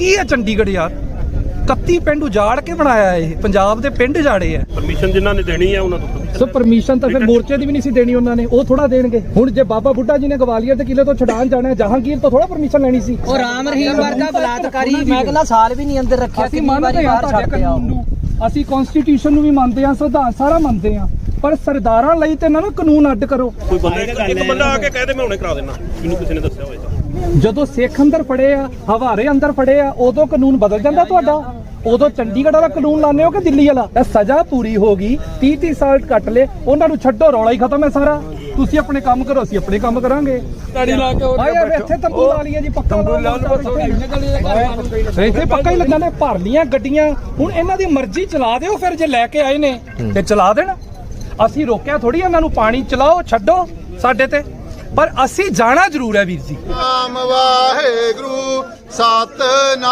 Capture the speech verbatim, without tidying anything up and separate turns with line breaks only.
ਕੀ ਹੈ ਚੰਡੀਗੜ੍ਹ ਯਾਰ? ਇਕੱਤੀ ਪਿੰਡ ਉਜਾੜ ਕੇ ਬਣਾਇਆ ਇਹ, ਪੰਜਾਬ ਦੇ ਪਿੰਡ ਉਜਾੜੇ ਆ।
ਪਰਮਿਸ਼ਨ ਜਿਨ੍ਹਾਂ ਨੇ ਦੇਣੀ ਹੈ ਉਹਨਾਂ ਤੋਂ
ਸੋ ਪਰਮਿਸ਼ਨ ਤਾਂ ਫਿਰ ਮੋਰਚੇ ਦੀ ਵੀ ਨਹੀਂ ਸੀ ਦੇਣੀ ਉਹਨਾਂ ਨੇ, ਉਹ ਥੋੜਾ ਦੇਣਗੇ। ਹੁਣ ਜੇ ਬਾਬਾ ਬੁੱਢਾ ਜੀ ਨੇ ਗਵਾਲੀਅਰ ਦੇ ਕਿਲੇ ਤੋਂ ਛਡਾਣ ਜਾਣਾ ਹੈ, ਜਹਾਂਗੀਰ ਤੋਂ ਥੋੜਾ ਪਰਮਿਸ਼ਨ ਲੈਣੀ ਸੀ।
ਉਹ ਰਾਮ ਰਹੀਮ ਵਰਗਾ ਬਲਾਤਕਾਰੀ ਮੈਂ ਕਹਿੰਦਾ ਸਾਲ ਵੀ ਨਹੀਂ ਅੰਦਰ ਰੱਖਿਆ।
ਅਸੀਂ ਮੰਨਦੇ ਹਾਂ ਤੁਹਾਡੇ ਕਾਨੂੰਨ ਨੂੰ, ਅਸੀਂ ਕਨਸਟੀਟਿਊਸ਼ਨ ਨੂੰ ਵੀ ਮੰਨਦੇ ਹਾਂ, ਸੰਵਿਧਾਨ ਸਾਰਾ ਮੰਨਦੇ ਹਾਂ, ਪਰ ਸਰਦਾਰਾਂ ਲਈ ਤੇ ਨਾ ਨਾ ਕਾਨੂੰਨ ਅੱਡ ਕਰੋ।
ਕੋਈ ਬੰਦਾ ਇੱਕ ਬੰਦਾ ਆ ਕੇ ਕਹਿ ਦੇ ਮੈਂ ਹੁਣੇ ਕਰਾ ਦੇਣਾ, ਮੈਨੂੰ ਕਿਸੇ ਨੇ ਦੱਸਿਆ ਹੋਵੇ ਤਾਂ।
ਜਦੋਂ ਸਿੱਖ ਅੰਦਰ ਫੜੇ ਆ, ਹਵਾਰੇ ਅੰਦਰ ਫੜੇ ਆ, ਉਦੋਂ ਕਾਨੂੰਨ ਬਦਲ ਜਾਂਦਾ ਤੁਹਾਡਾ। ਉਦੋਂ ਚੰਡੀਗੜ੍ਹ ਵਾਲਾ ਕਾਨੂੰਨ ਲਾਣੇ ਹੋ ਕਿ ਦਿੱਲੀ ਵਾਲਾ? ਤਾਂ ਸਜ਼ਾ ਪੂਰੀ ਹੋ ਗਈ, ਤੀਹ ਤੀਹ ਸਾਲ ਕੱਟ ਲਏ, ਉਹਨਾਂ ਨੂੰ ਛੱਡੋ, ਰੌਲਾ ਹੀ ਖਤਮ ਹੈ ਸਾਰਾ। ਤੁਸੀਂ ਆਪਣੇ ਕੰਮ ਕਰੋ, ਅਸੀਂ ਆਪਣੇ ਕੰਮ ਕਰਾਂਗੇ। ਤਾੜੀ ਲਾ ਕੇ ਆਏ ਇੱਥੇ ਤੰਬੂ ਲਾ ਲਈਏ ਜੀ, ਪੱਕਾ ਇੱਥੇ ਪੱਕਾ ਹੀ ਲੱਗਣਾ ਨੇ। ਭਰ ਲੀਆਂ ਗੱਡੀਆਂ, ਹੁਣ ਇਹਨਾਂ ਦੀ ਮਰਜ਼ੀ ਚਲਾ ਦਿਓ। ਫਿਰ ਜੇ ਲੈ ਕੇ ਆਏ ਨੇ ਤੇ ਚਲਾ ਦੇਣ, ਅਸੀਂ ਰੋਕਿਆ ਥੋੜੀ ਇਹਨਾਂ ਨੂੰ। ਪਾਣੀ ਚਲਾਓ, ਛੱਡੋ ਸਾਡੇ ਤੇ, ਪਰ ਅਸੀਂ ਜਾਣਾ ਜ਼ਰੂਰ ਹੈ ਵੀਰ ਜੀ।
ਨਾਮ ਵਾਹਿਗੁਰੂ ਸਤਿ